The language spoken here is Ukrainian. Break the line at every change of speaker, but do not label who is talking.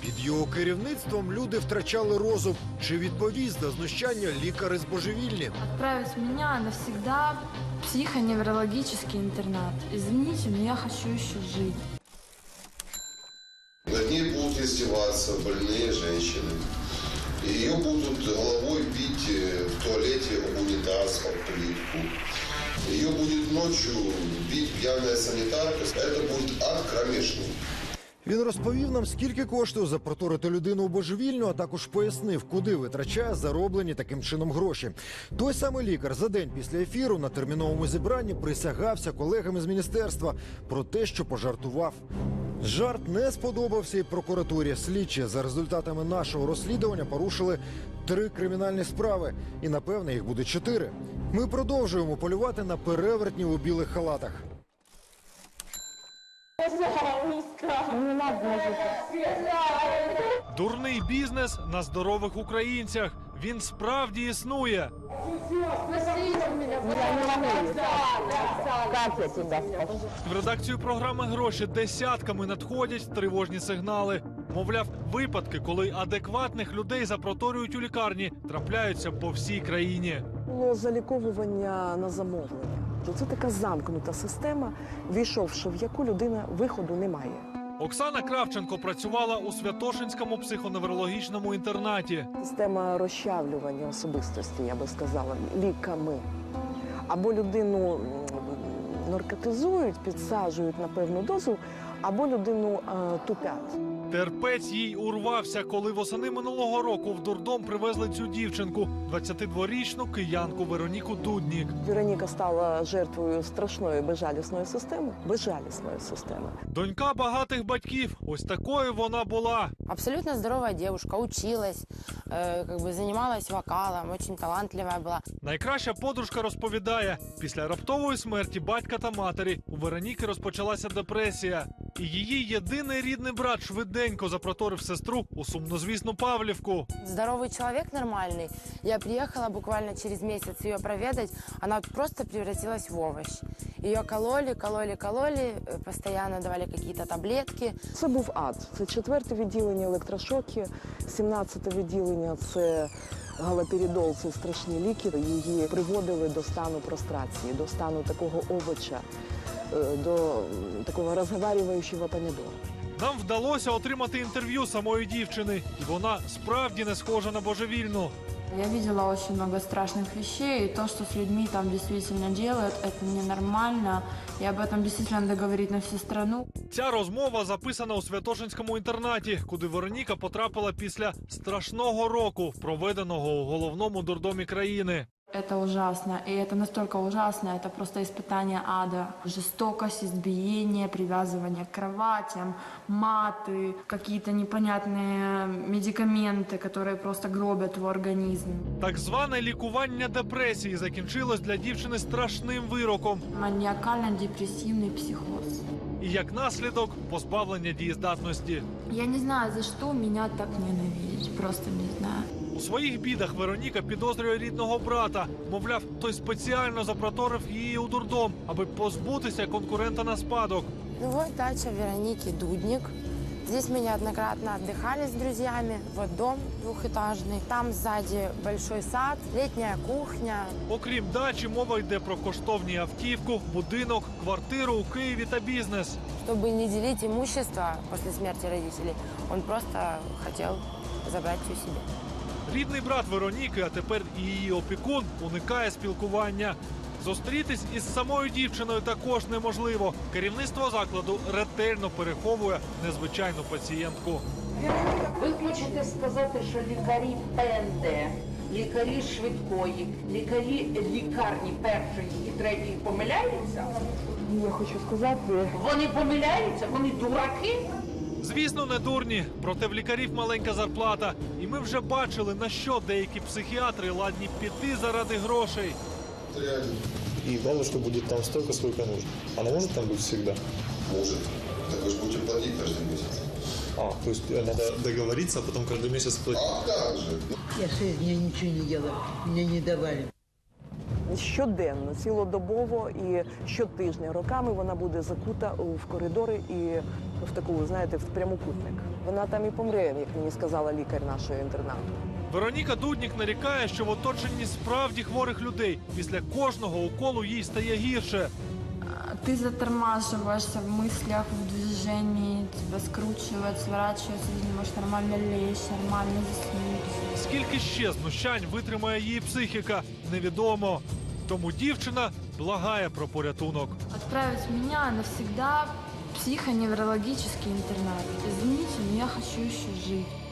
Під його керівництвом люди втрачали розум. Чи відповість за знущання лікари з божевільні?
Отправить меня навсегда в психоневрологический интернат. Извините, но я хочу еще жить.
Над ней будут издеваться больные женщины. Ее будут головой бить в туалете об унитаз, об плитку. Ее будет ночью бить пьяная санитарка. Это будет ад кромешный.
Він розповів нам, скільки коштує запроторити людину у божевільню, а також пояснив, куди витрачає зароблені таким чином гроші. Той самий лікар за день після ефіру на терміновому зібранні присягався колегам із міністерства про те, що пожартував. Жарт не сподобався і прокуратурі. Слідчі за результатами нашого розслідування порушили 3 кримінальні справи. І, напевне, їх буде 4. Ми продовжуємо полювати на перевертнів у білих халатах.
Дурний бізнес на здорових українцях. Він справді існує. В редакцію програми «Гроші» десятками надходять тривожні сигнали. Мовляв, випадки, коли адекватних людей запроторюють у лікарні, трапляються по всій країні.
Було заліковування на замовлення. Це така замкнута система, війшовши в яку людина виходу не має.
Оксана Кравченко працювала у Святошинському психоневрологічному інтернаті.
Система розчавлювання особистості, я би сказала, ліками. Або людину наркотизують, підсаджують на певну дозу, або людину тупять.
Терпець їй урвався, коли восени минулого року в дурдом привезли цю дівчинку, 22-річну киянку Вероніку Дуднік.
Вероніка стала жертвою страшної безжалісної системи. Безжалісної системи.
Донька багатих батьків. Ось такою вона була.
Абсолютно здоровая девушка, училась, занималась вокалом, очень талантливая была.
Найкраща подружка розповідає, після раптової смерті батька та матері у Вероніки розпочалася депресія. І її єдиний рідний брат швиденько запроторив сестру у сумнозвісну Павлівку.
Здоровый человек нормальный. Я приехала буквально через месяц ее проведать. Она просто превратилась в овощ. Ее кололи, постоянно давали какие-то таблетки.
Це був ад. Це 4-те відділення електрошоки, 17-те відділення – це галоперидол, це страшні ліки. Її приводили до стану прострації, до стану такого овоча, до такого розговарюючого помідора.
Нам вдалося отримати інтерв'ю самої дівчини, і вона справді не схожа на божевільну.
Я видела очень много страшных вещей, и то, что с людьми там действительно делают, это ненормально. И об этом действительно надо говорить на всю страну.
Ця розмова записана у Святошинському інтернаті, куди Вероніка потрапила після страшного року, проведеного у головному дурдомі країни.
Это ужасно, и это настолько ужасно, это просто испытание ада. Жестокость, избиение, привязывание к кроватям, маты, какие-то непонятные медикаменты, которые просто гробят твой организм.
Так зване лікування депресії закінчилось для дівчини страшним вироком.
Маніакально-депресивний психоз.
І як наслідок позбавлення дієздатності.
Я не знаю, за что меня так ненавидеть, просто не знаю.
У своїх бідах Вероніка підозрює рідного брата. Мовляв, той спеціально запроторив її у дурдом, аби позбутися конкурента на спадок.
Ну вот дача Вероники Дудник. Здесь мы неоднократно отдыхали с друзьями. Вот дом двухэтажный. Там сзади большой сад, летняя кухня.
Окрім дачі, мова йде про коштовні автівку, будинок, квартиру у Києві та бізнес.
Чтобы не делить имущество после смерти родителей, он просто хотел забрать все себе.
Рідний брат Вероніки, а тепер і її опікун, уникає спілкування. Зустрітись із самою дівчиною також неможливо. Керівництво закладу ретельно переховує незвичайну пацієнтку.
Ви хочете сказати, що лікарі ПНД, лікарі швидкої, лікарі лікарні першої і третьої помиляються?
Я хочу сказати...
Вони помиляються? Вони дураки?
Звісно, не дурні, проте в лікарів маленька зарплата. І ми вже бачили, на що деякі психіатри ладні піти заради грошей.
И главное, что будет там столько, сколько нужно. Она может там быть всегда?
Может. Так вы же будете платить каждый месяц.
То есть надо договориться, а потом каждый месяц платить?
А как же?
Я 6 дней ничего не делала, мне не давали.
Щоденно, цілодобово і щотижня роками вона буде закута в коридори і в таку, знаєте, в прямокутник. Вона там і помре, як мені сказала лікар нашого інтернату.
Вероніка Дуднік нарікає, що в оточенні справді хворих людей після кожного уколу їй стає гірше.
Ты затормаживаешься в мыслях, в движении, тебя скручивает, сворачивается, ты не можешь нормально лечь, нормально заснуть.
Скільки ще знущань витримає її психіка, невідомо. Тому дівчина благає про порятунок.
Отправить меня навсегда в психоневрологический интернат. Извините, но я хочу еще жить.